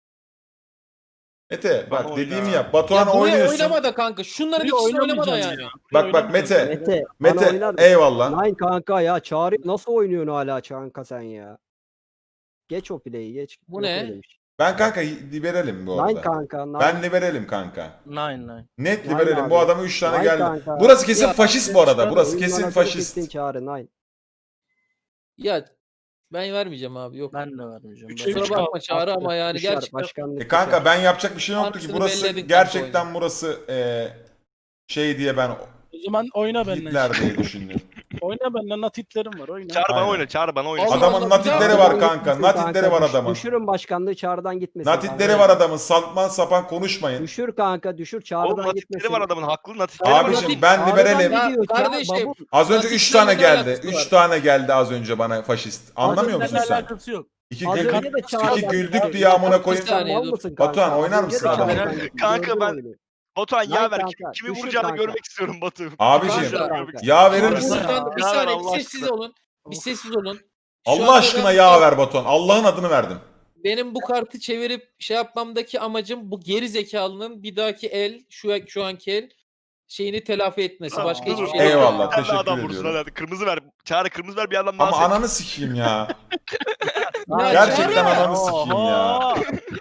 S3: Mete bak
S2: Bana oyna.
S3: dediğimi yap.
S4: Ya
S3: Batuhan'a
S4: buraya
S3: oynuyorsun.
S4: oynama da kanka. Şunların
S5: Bir
S4: ikisini oynama da
S5: oynamayacağım
S4: yani.
S5: ya.
S3: Bak Mete.
S1: Mete, bana oynar
S3: Mete
S1: mısın?
S3: eyvallah.
S1: Nine kanka ya. Çağrı nasıl oynuyorsun hala kanka sen ya? Geç o play'i geç.
S4: Bu
S1: Yok
S4: ne?
S1: öyle bir şey.
S3: Ben kanka liberalim bu
S1: Nine
S3: arada.
S1: kanka. Nine.
S3: Ben liberalim kanka.
S5: Nine.
S3: Net
S1: Nine
S3: liberalim.
S1: abi.
S3: Bu adama 3 tane
S1: Nine
S3: geldi.
S1: kanka.
S3: Burası kesin
S4: Ya,
S3: faşist bu arada. Burası
S1: Oyun
S3: kesin
S1: manasını
S3: faşist.
S1: siktin Çağrı Nine.
S4: Ya ben vermeyeceğim abi yok.
S5: Ben de vermeyeceğim.
S7: Üçe
S5: Ben-
S7: üç
S4: Kusura bakma Çağrı ama yani
S1: Düşer,
S4: gerçekten
S1: başkanlık
S3: Kanka
S1: düşer.
S3: ben yapacak bir şey yoktu ki.
S4: Anasını
S3: Burası
S4: belledin kanka
S3: gerçekten burası şey diye ben
S7: O zaman oyna benden.
S3: Hitler diye düşündüm.
S7: Oyna benden. Nat Hitler'im var. Oyna.
S2: Çağır bana
S3: Aynen.
S2: oyna, çağır bana oyna.
S4: Allah
S3: Adamın
S4: Allah,
S3: natitleri
S4: bir daha
S3: var
S1: Çağrı'dan
S3: kanka.
S1: gitmesin
S3: Natitleri var adamın.
S1: Düşürün başkanlığı Çağrı'dan gitmesin.
S3: Natitleri
S1: kanka.
S3: var adamın. Saltman sapan konuşmayın.
S1: Düşür kanka düşür
S2: Oğlum
S1: Çağrı'dan
S2: natifleri
S1: gitmesin.
S2: var adamın, haklı natifleri var.
S3: Abicim
S4: Natif-
S3: ben
S1: Çağrı'dan
S3: liberalim.
S4: Ya
S1: gidiyor Çağrı,
S4: kardeşim,
S1: babun.
S3: Az önce 3 tane
S4: Natitlerle
S3: geldi.
S4: alakası
S3: 3
S4: var.
S3: tane geldi az önce bana faşist. Anlamıyor musun
S5: Seninle
S3: sen?
S5: alakası yok.
S3: İki
S1: Az
S3: güldük,
S1: önce de Çağrı'dan
S3: iki güldük
S1: gitti.
S3: diye amına koyayım.
S4: Bir saniye,
S1: Mal
S4: dur.
S1: mısın kanka?
S3: Batuhan, oynar
S1: Az önce
S3: mısın
S1: de
S3: adamı?
S1: Çağrı'dan gitti.
S2: Kanka,
S1: Gördün
S2: ben-
S1: oyunu.
S2: Batuhan
S1: Lan
S2: yağ ver.
S1: kanka,
S2: Kimi
S1: düşür
S2: vuracağını
S1: kanka.
S2: görmek istiyorum Batu.
S3: Abiciğim,
S2: Kimi vuracağını
S1: kanka.
S2: görmek istiyorum.
S3: Yağ verir
S1: Kanka,
S3: misin?
S4: Buradan bir
S2: Ya
S4: saniye
S2: Allah
S4: bir sessiz
S2: aşkına.
S4: olun. Bir sessiz olun. Şu
S3: Allah
S4: anda
S3: aşkına
S4: ben-
S3: yağ ver Batuhan. Allah'ın adını verdim.
S4: Benim bu kartı çevirip şey yapmamdaki amacım bu geri zekalının bir dahaki el şu anki el şeyini telafi etmesi. Başka
S2: Dur,
S4: hiçbir
S2: dur.
S4: şey yok.
S3: Eyvallah,
S2: Bir tane
S3: teşekkür
S2: adam vursun,
S3: ediyorum.
S2: hadi. Kırmızı ver. Çağrı kırmızı ver, bir adam daha
S3: Ama
S2: seç.
S3: ananı sikeyim ya.
S4: Ya
S3: Gerçekten
S4: Çağrı!
S3: ananı sikeyim ya.
S5: Oha!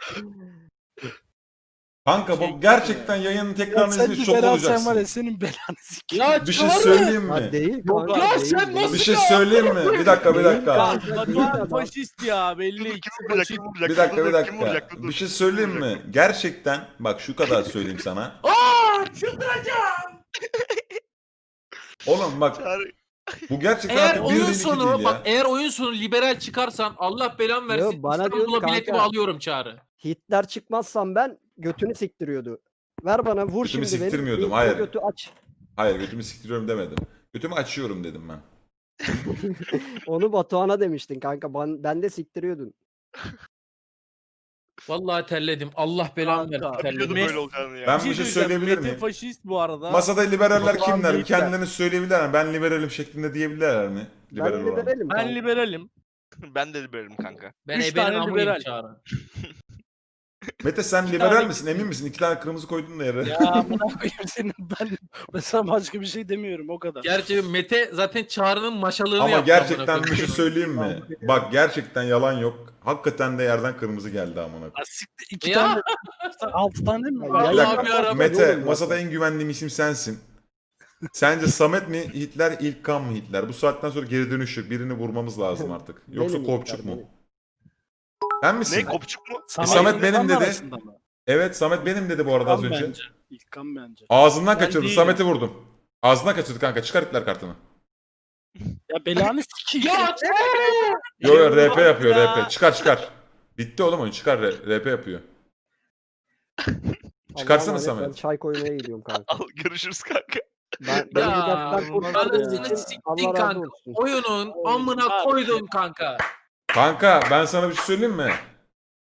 S3: Kanka bu gerçekten yayının tekrarını
S7: Sen
S3: izleyip şok
S7: liberal sen var
S3: olacaksın.
S7: ya senin belanı sikeyim.
S4: Ya
S3: Bir şey
S4: Çağrı!
S3: söyleyeyim
S1: Ha,
S3: mi?
S1: değil
S5: Yok
S1: kanka.
S4: Ya
S1: değil,
S4: sen
S1: değil.
S4: nasıl
S3: Bir şey söyleyeyim mi? Bir dakika bir dakika.
S1: Kanka,
S5: Batuhan faşist ya belli.
S2: Dur,
S5: ikisi
S2: kim vuracak,
S5: faşist.
S2: kim vuracak?
S3: Bir dakika
S2: Dur,
S3: bir
S2: dur, kim
S3: dakika.
S2: vuracak? Dur, dur.
S3: Bir şey söyleyeyim mi? Gerçekten bak şu kadar söyleyeyim sana. Oğlum bak
S2: Çağrı.
S3: bu gerçekten
S4: Eğer
S3: artık bir
S4: oyun
S3: değil iki
S4: sonu
S3: değil
S4: bak
S3: ya.
S4: eğer oyun sonu liberal çıkarsan Allah belamı versin.
S1: Yo, bana diyor
S4: İstanbul'a
S1: ki
S4: biletimi
S1: kanka-
S4: alıyorum Çağrı.
S1: Hitler çıkmazsam ben götünü siktiriyordu. Ver bana vur
S3: Götümü
S1: şimdi beni.
S3: siktirmiyordum,
S1: İlk o
S3: hayır.
S1: Götü aç.
S3: Hayır götümü siktiriyorum demedim. Götümü açıyorum dedim ben.
S1: Onu Batuhan'a demiştin kanka. Ben de siktiriyordun.
S4: Vallahi terledim. Allah belamı
S5: Kanka,
S4: versin.
S2: Biliyordum
S4: Terledim.
S2: böyle olacağını ya.
S3: Ben bir şey
S5: söyleyeceğim,
S3: söyleyebilir
S5: Mete
S3: miyim?
S5: faşist bu arada.
S3: Masada liberaller
S5: Batuhan
S3: kimler?
S5: Büyükler.
S3: Kendilerini söyleyebilirler mi? Ben liberalim şeklinde diyebilirler mi? Liberal
S1: Ben
S3: olan.
S1: liberalim.
S5: Ben
S1: kanka.
S5: liberalim.
S2: Ben de liberim kanka.
S4: Ben
S5: Üç
S4: ebenin
S5: tane
S4: amıyım
S5: liberal.
S4: Çağrı.
S3: Mete sen
S5: İki
S3: liberal
S5: tane-
S3: misin? Emin misin? 2 tane kırmızı koydun da yere.
S7: Ya amına koyayım senin ben mesela başka bir şey demiyorum o kadar.
S4: Gerçi Mete zaten Çağrı'nın maşalığını
S3: Ama
S4: yaptı.
S3: gerçekten
S4: amına
S3: bir şey
S4: koyayım.
S3: söyleyeyim mi? Bak gerçekten yalan yok. Hakikaten de yerden kırmızı geldi amına koyayım.
S7: Ya siktir, iki
S4: Ya.
S7: tane 6 tane mi?
S1: Ya,
S7: var?
S3: Bir
S4: Allah'ım
S3: dakika.
S4: yarabbim.
S3: Mete
S1: Oğlum,
S3: masada en güvendiğim isim sensin. Sence Samet mi Hitler, İlkan mı Hitler? Bu saatten sonra geri dönüş yok. Birini vurmamız lazım artık. Yoksa
S1: Benim
S3: Kopçuk
S1: Hitler,
S3: mu?
S1: benim.
S3: Sen misin?
S2: Ne, kopçuk mu?
S3: Samet benim
S7: İlkan
S3: dedi.
S7: arasında mı?
S3: Evet Samet benim dedi bu arada az
S7: İlkan
S3: önce.
S7: bence. İlkan bence.
S3: Ağzından
S5: Ben
S3: kaçırdı.
S5: değilim.
S3: Samet'i vurdum. Ağzından kaçırdı kanka. Çıkar Hitler kartını.
S7: Ya belanı sikeyim.
S4: Ya
S3: Yo yo RP yapıyor
S5: Ya.
S3: RP. Çıkar. Bitti oğlum oyun çıkar RP yapıyor. Çıkarsana
S1: Allah'ım,
S3: Samet.
S1: Ben çay koymaya gidiyorum kanka.
S2: Al, görüşürüz kanka.
S1: Ben
S4: Ya,
S1: bu dertten kurtardığınız
S4: anasını
S1: için
S4: siktin
S1: Allah razı
S4: kanka.
S1: olsun.
S4: Oyunun amına koydum kanka.
S3: Kanka ben sana bir şey söyleyeyim mi?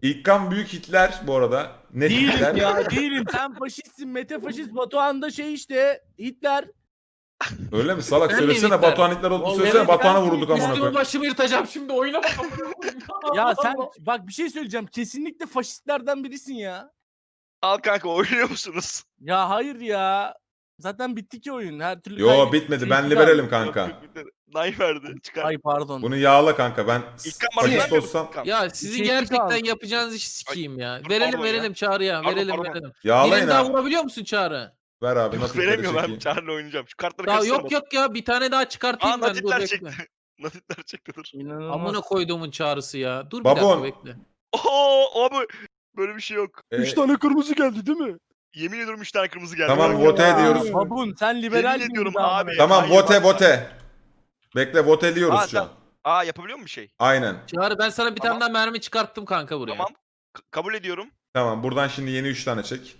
S3: İlkan büyük Hitler bu arada. Net
S5: Değilim
S3: Hitler.
S5: ya değilim. Sen faşistsin. Mete faşist. Batuhan da şey işte. Hitler.
S3: Öyle mi salak?
S4: Ben
S3: Söylesene
S4: miyim
S3: Batuhan Hitler olduğunu
S5: Vallahi
S3: söylesene.
S5: evet,
S3: Batuhan'a
S5: ben
S3: vurduk amına
S4: Üstümü
S3: koyayım.
S4: başımı yırtacağım şimdi oyuna bakalım.
S5: Ya sen bak bir şey söyleyeceğim. Kesinlikle faşistlerden birisin ya.
S2: Al kanka oynuyor musunuz?
S5: Ya hayır ya. Zaten bitti ki oyun. Her türlü
S3: Yo
S5: kaybettik.
S3: bitmedi.
S5: Şey
S3: Ben
S5: çıkar.
S3: liberalim
S2: Yok,
S3: kanka.
S2: yok, bir de Nay verdi. Çıkar.
S5: Ay pardon.
S3: Bunu yağla kanka. Ben
S2: İlkan bana
S3: faşist
S2: vermiyor
S3: olsam
S2: musun İlkan?
S4: Ya sizin
S5: Şey
S4: gerçekten
S5: kaldı.
S4: yapacağınız işi sikeyim ya.
S2: dur,
S4: Verelim
S2: pardon
S4: verelim Çağrı'ya.
S2: Pardon,
S4: Verelim
S2: pardon.
S4: verelim.
S3: yağlayın
S4: Birini daha
S3: ha.
S4: vurabiliyor musun Çağrı?
S3: Ver abi.
S2: Yok
S3: Natitleri
S2: veremiyorum ben
S3: çekeyim.
S2: Çağrı'yla oynayacağım. Şu kartları
S4: Daha
S2: karıştırma.
S4: yok ya bir tane daha çıkartayım ben. Dur
S2: Natitler
S4: bekle.
S2: çekti. Natitler çekti dur.
S5: İnanılmaz.
S4: Amına koyduğumun Çağrısı ya. Dur bir
S3: Babon.
S4: dakika bekle.
S2: Oo abi böyle bir şey yok.
S7: 3 tane kırmızı geldi değil mi?
S2: Yemin ediyorum 3 tane kırmızı geldi.
S3: Tamam,
S2: Bak,
S3: vote
S5: Ya,
S3: ediyoruz.
S5: Babun sen liberal
S2: Yemin
S5: miydin
S2: ediyorum
S5: daha
S2: abi.
S5: bana?
S3: Tamam
S2: Hayır,
S3: vote
S2: bak-
S3: vote. Bekle voteliyoruz
S2: Aa,
S3: şu an.
S2: Aa yapabiliyor mu bir şey?
S3: Aynen.
S4: Çağrı ben sana bir
S2: Tamam.
S4: tane daha mermi çıkarttım kanka buraya.
S2: Tamam. Kabul ediyorum.
S3: Tamam buradan şimdi yeni 3 tane çek.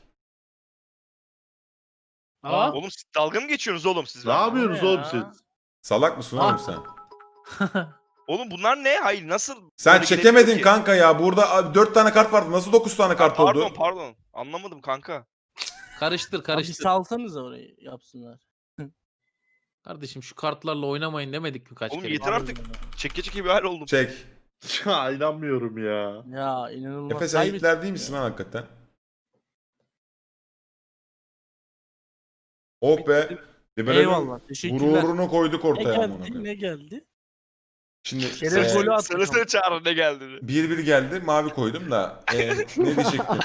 S7: Aa,
S2: Oğlum siz dalga mı geçiyorsunuz oğlum siz
S6: Ne
S2: benimle?
S6: yapıyorsunuz
S5: ya?
S6: oğlum siz?
S3: Salak mısın
S4: Ah.
S3: oğlum sen?
S2: Oğlum bunlar ne? Hayır nasıl?
S3: Sen
S2: böyle
S3: çekemedin
S2: gelebiliyor ki?
S3: kanka ya. Burada 4 tane kart vardı. Nasıl 9 tane kart
S2: Pardon
S3: oldu?
S2: pardon. Anlamadım kanka.
S4: Karıştır
S5: Abi
S4: karıştır.
S5: salsanıza orayı yapsınlar.
S4: Kardeşim şu kartlarla oynamayın demedik mi kaç
S2: Oğlum
S4: kere?
S2: yeter artık. Çeke çeke bir hal oldum.
S3: Çek.
S6: Ya inanmıyorum ya.
S5: Ya inanılmaz.
S3: Efe sen
S5: Kaybettik
S3: Hitler değil
S5: ya.
S3: misin lan hakikaten? Oh be. Liberal'in
S5: Eyvallah. Teşekkürler.
S3: gururunu koyduk
S7: ne
S3: ortaya amına
S7: geldi?
S3: koyayım.
S7: Ne geldi?
S3: Şimdi
S5: Şeref golü attık.
S2: Söylesene Çağrı ne geldi?
S3: 1-1 geldi. Mavi koydum da. Ne diyecektim?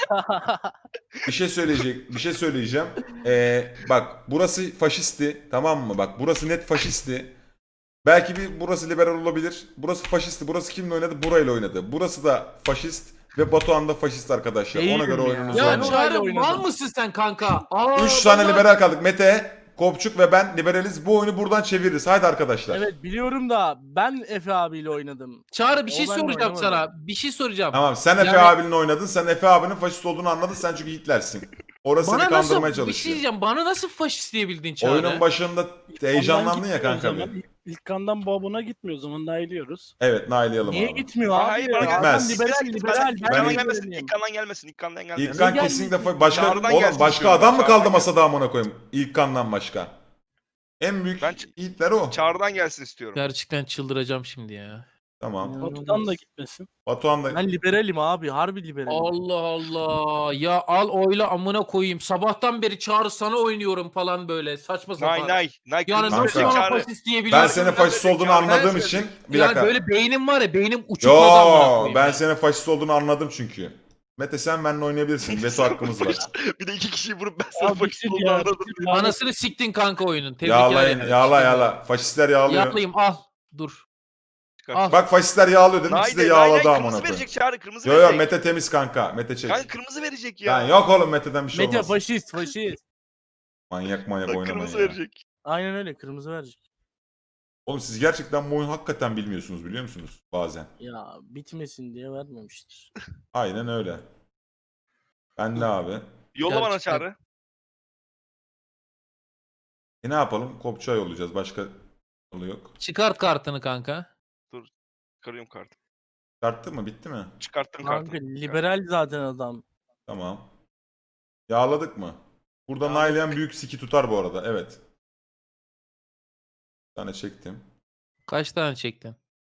S3: Bir şey söyleyeceğim. Bak burası faşisti. Tamam mı? Bak burası net faşisti. Belki burası liberal olabilir. Burası faşisti. Burası kimle oynadı? Burayla oynadı. Burası da faşist ve Batuhan da faşist arkadaşlar. Ona
S5: Değilim
S3: göre
S5: ya.
S3: oyununuzu
S5: Ben
S4: Ya
S3: oynayın.
S5: orayla
S4: Çağrı
S5: oynadım.
S4: mal mısın sen kanka? Aa,
S3: 3 tane
S4: bana-
S3: liberal kaldık. Mete, Kopçuk ve ben liberaliz. Bu oyunu buradan çeviririz. Haydi arkadaşlar.
S5: Evet biliyorum da ben Efe abiyle oynadım.
S4: Çağrı bir şey
S5: O benle
S4: soracağım
S5: oynamadı.
S4: sana. Bir şey soracağım.
S3: Tamam sen Efe
S4: Yani-
S3: abinin oynadın. Sen Efe abinin faşist olduğunu anladın. Sen çünkü Hitler'sin. Orası seni
S4: Bana
S3: kandırmaya
S4: nasıl bir şey
S3: çalışıyor.
S4: diyeceğim. Bana nasıl faşist diyebildin Çağrı?
S3: Oyunun başında heyecanlandın
S7: Ondan
S3: ya
S7: gitmiyor
S3: kanka
S7: o zaman.
S3: bir.
S7: İlk kandan babuna gitmiyor o zaman nailiyoruz.
S3: Evet nailayalım
S5: Niye
S3: abi.
S5: gitmiyor
S2: Aa,
S5: abi?
S2: hayır,
S5: ya?
S2: bana
S3: gitmez.
S5: Adam liberal liberal.
S2: İlk
S5: Ben
S2: kandan
S3: ilk-
S2: gelmesin.
S5: liberaliyim.
S2: İlk kandan gelmesin. İlk kandan gelmesin.
S3: İlkan
S5: Ne
S3: kesinlikle
S5: gelmeyecek?
S3: başka
S2: Çağrı'dan
S3: oğlum
S2: gelsin
S3: başka
S2: istiyorum
S3: adam
S2: ben,
S3: mı kaldı
S2: Çağrı'dan
S3: masada amına koyayım? İlkan'dan başka. En büyük
S2: Ben
S3: Hitler o.
S2: Çağrı'dan gelsin istiyorum.
S4: Gerçekten çıldıracağım şimdi ya.
S3: Tamam.
S5: İnanılmaz.
S7: Batu'dan da gitmesin.
S3: Batuhan da
S5: Ben liberalim abi. Harbi liberalim.
S4: Allah Allah. Ya al oyla amına koyayım. Sabahtan beri Çağrı sana oynuyorum falan böyle. Saçma sapan.
S2: Nay.
S4: Yani
S2: kırmızı
S4: nasıl
S3: Kanka.
S4: bana
S2: Çağrı.
S4: faşist diyebiliyorsun?
S3: ben senin faşist olduğunu
S2: Çağrı,
S3: anladığım
S2: ben-
S3: için bir
S4: Yani
S3: dakika.
S4: böyle beynim var ya beynim uçukladı amına
S3: Yo
S4: koyayım.
S3: ben
S4: ya.
S3: senin faşist olduğunu anladım çünkü. Mete sen benimle oynayabilirsin. Veto hakkımız var.
S2: Bir de 2 kişiyi vurup ben sana
S7: Abi
S2: faşist
S7: bitir
S2: olduğunu
S7: ya.
S2: anladım.
S7: bitir ya.
S4: Anasını siktin kanka oyunun. Tebrikler
S3: Yağlayın
S4: yani.
S3: yağla. Faşistler yağlıyor.
S4: Yağlayayım al. Dur. Al.
S3: Bak faşistler yağlıyor dedim
S2: Nay
S3: siz de
S2: de
S3: yağladı
S2: kırmızı
S3: amına koyayım.
S2: verecek Çağrı kırmızı
S3: Yo
S2: verecek.
S3: Mete temiz kanka. Mete çek.
S2: Kanka kırmızı verecek ya.
S3: Ben yok oğlum Mete'den bir şey
S5: Mete
S3: olmaz.
S5: faşist faşist.
S3: Manyak
S2: Bak,
S3: oynamayın
S2: kırmızı
S3: ya.
S2: verecek.
S5: Aynen öyle kırmızı verecek.
S3: Oğlum siz gerçekten bu oyunu hakikaten bilmiyorsunuz biliyor musunuz bazen.
S5: Ya bitmesin diye vermemiştir.
S3: Aynen öyle. Ben de abi.
S2: Yolla bana
S4: Gerçekten.
S2: Çağrı.
S3: Ne yapalım? Kopçuğa yollayacağız. Başka yolu yok.
S4: Çıkart kartını kanka.
S2: Çıkarıyorum kartı.
S3: Çıkarttı mı? Bitti mi?
S2: Çıkarttım
S5: Kanka
S2: kartını.
S5: liberal zaten adam.
S3: Tamam. Yağladık mı? Burada
S2: Yağladık.
S3: naileyen büyük siki tutar bu arada. Evet. Bir tane çektim.
S4: Kaç tane çektin?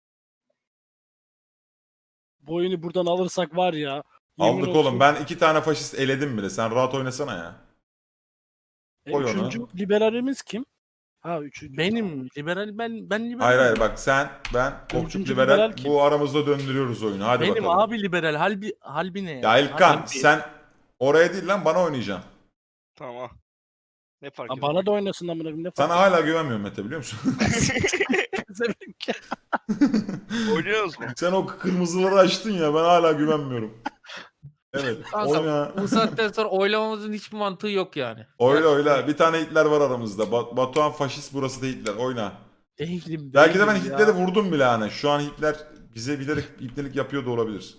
S7: Bu oyunu buradan alırsak var ya. yemin
S3: Aldık
S7: olsun.
S3: oğlum. Ben 2 tane faşist eledim bile. Sen rahat oynasana ya. koy onu.
S7: Üçüncü liberalimiz kim? Ha üçüncü.
S5: Benim liberal ben liberal.
S3: Hayır ben, Kopçuk
S7: Üçüncü
S3: liberal.
S7: liberal kim?
S3: Bu aramızda döndürüyoruz oyunu. Hadi
S5: Benim
S3: bakalım.
S5: abi liberal. Halbi ne
S3: Ya İlkan
S5: Halbi-
S3: sen oraya değil lan bana oynayacaksın.
S2: Tamam. Ne fark
S7: Ha,
S2: ediyor?
S7: bana da oynasın amına koyayım. Ne
S3: Sana
S7: fark
S3: hala güvenmiyorum Mete biliyor musun?
S7: ediyor?
S2: Oynuyoruz mu?
S3: Sen o kırmızıları açtın ya ben hala güvenmiyorum. Evet.
S4: Kanka,
S3: Oyna.
S4: Bu saatten sonra oylamamızın hiçbir mantığı yok yani.
S3: Oyla. Bir tane Hitler var aramızda. Batuhan faşist burası da Hitler. Oyna.
S5: Değilim.
S3: Belki de ben
S5: değilim ya.
S3: Hitler'i vurdum bile hani. Şu an Hitler bize bilerek ipnelik yapıyor da olabilir.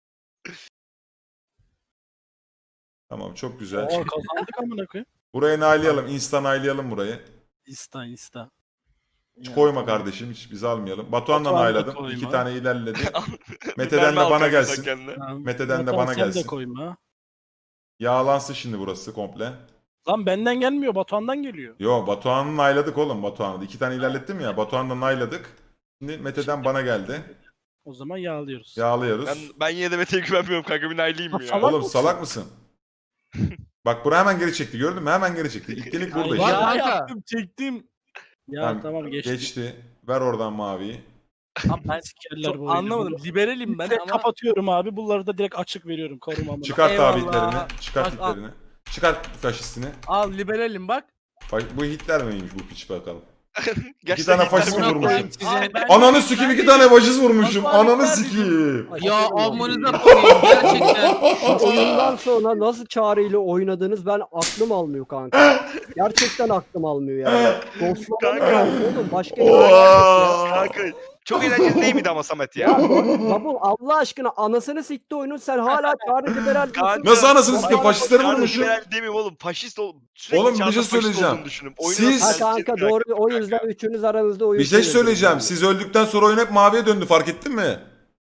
S3: Tamam çok güzel.
S7: Aa, kazandık amına koyayım.
S3: Burayı nailayalım. Insta nailayalım burayı.
S7: İsta.
S3: Hiç
S5: Ya,
S3: koyma
S5: tamam.
S3: kardeşim. Hiç biz almayalım. Batuhan'la
S5: Batuhan'ı da
S3: nayladım.
S5: koyma.
S3: 2 tane ilerledi.
S2: Mermi
S3: Mete'den de
S2: al
S3: bana
S2: kanka sen
S3: gelsin.
S2: kendine.
S5: Tamam.
S3: Mete'den de
S5: Batuhan
S3: bana
S5: sen
S3: gelsin.
S5: de koyma.
S3: Yağlansın şimdi burası komple.
S5: Lan benden gelmiyor, Batuhan'dan geliyor.
S3: Yo, Batuhan'ı nayladık oğlum, Batuhan'ı. 2 tane ilerlettim ya. Batuhan'la nayladık. Şimdi Mete'den bana geldi.
S5: O zaman yağlıyoruz.
S3: Yağlıyoruz.
S2: Ben yine de Mete'ye güvenmiyorum kanka, bir nayleyeyim mi ya?
S5: Salak
S3: Oğlum
S5: mısın?
S3: salak mısın? Bak buraya hemen geri çekti, gördün mü? Hemen geri çekti. İlklik burada
S5: Ay,
S3: işte.
S4: Ya
S5: ya
S4: kanka.
S5: yaptım, çektim. Ya
S3: Tamam,
S5: tamam geçti.
S3: Geçti. Ver oradan maviyi.
S5: Abi ben sikerler bu oyunu.
S7: Anlamadım. Liberalim ben
S5: Direkt
S7: ama
S5: kapatıyorum abi. Bunları da direkt açık veriyorum korumamı.
S3: Çıkart abi
S7: Eyvallah.
S3: hitlerini. Çıkart
S7: Bak, al.
S3: hitlerini. Çıkart faşistini.
S7: al liberalim bak.
S3: Bu Hitler miymiş bu piç bakalım. İki
S2: Gerçekten
S3: tane
S2: Hitler
S3: faşist
S2: mi?
S3: mi
S4: Buna koyayım
S3: vurmuşum?
S4: size.
S7: Ben-
S3: Ananı sikeyim, 2 tane faşist vurmuşum.
S7: Batuhan
S3: Ananı
S7: Hitler
S3: sikeyim.
S4: Ya
S1: Aferin
S4: amınıza koyayım gerçekten.
S1: Şu oyundan sonra nasıl çağrıyla oynadınız ben aklım almıyor kanka. Gerçekten aklım almıyor yani. Ghostlamanı
S2: Kanka.
S1: oğlum başka bir
S3: Oha!
S2: Kanka çok eğlenceli değil miydi ama Samet
S1: Ya
S2: ya?
S1: babu Allah aşkına anasını sikti oyunun sen hala çağrı liberal diyorsun.
S2: Kanka,
S3: Nasıl anasını sikeyim,
S1: Baba,
S3: faşistleri
S2: Kanka,
S3: vurmuşum.
S2: liberal demeyeyim oğlum. Faşist ol. Sürekli
S3: Oğlum, bir
S2: çağda
S3: şey
S2: faşist
S3: söyleyeceğim.
S2: olduğunu düşünün. Oyunu
S3: Siz-
S2: nasıl
S1: Ha
S2: tercih
S1: kanka
S2: ettin
S1: doğru o
S2: kanka?
S1: yüzden üçünüz aranızda oyun
S3: Bir şey
S1: söylediniz
S3: söyleyeceğim.
S1: yani.
S3: Siz öldükten sonra oyun hep maviye döndü, fark ettin mi?